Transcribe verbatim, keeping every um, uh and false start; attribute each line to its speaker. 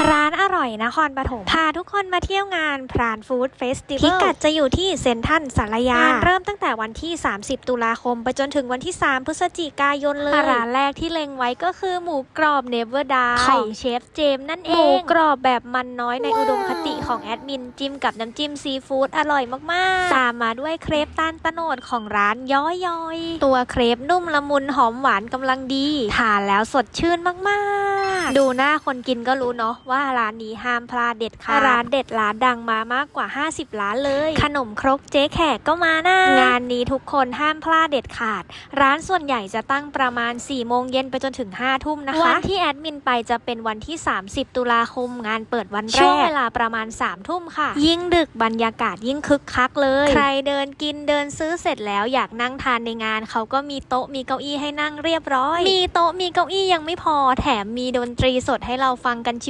Speaker 1: ร้านอร่อยนครปฐมพาทุกคนมาเที่ยวงานพรานฟู้ดเฟสติวัลพิกัดจะอยู่ที่เซ็นทรัลสารยางานเริ่มตั้งแต่วันที่สามสิบตุลาคมไปจนถึงวันที่สามพฤศจิกายนเลยร้านแรกที่เล็งไว้ก็คือหมูกรอบเนเวอร์ดาของเชฟเจมส์นั่นเองหมูกรอบแบบมันน้อยในอุดมคติของแอดมินจิ้มกับน้ำจิ้มซีฟู้ดอร่อยมากๆตามมาด้วยเครปต้านตะโนดของร้านย้อยๆตัวเครปนุ่มละมุนหอมหวานกำลังดีทานแล้วสดชื่นมากๆดูหน้าคนกินก็รู้เนาะว่าร้านนี้ห้ามพลาดเด็ดขาดร้านเด็ดร้านดังมามากกว่าห้าสิบร้านเลยขนมครกเจ๊แขกก็มานะงานนี้ทุกคนห้ามพลาดเด็ดขาดร้านส่วนใหญ่จะตั้งประมาณสี่โมงเย็นไปจนถึงห้าทุ่มนะคะวันที่แอดมินไปจะเป็นวันที่สามสิบตุลาคมงานเปิดวันแรกช่วงเวลาประมาณสามทุ่มค่ะยิ่งดึกบรรยากาศยิ่งคึกคักเลยใครเดินกินเดินซื้อเสร็จแล้วอยากนั่งทานในงานเขาก็มีโต๊ะมีเก้าอี้ให้นั่งเรียบร้อยมีโต๊ะมีเก้าอี้ยังไม่พอแถมมีดนตรีสดให้เราฟังกัน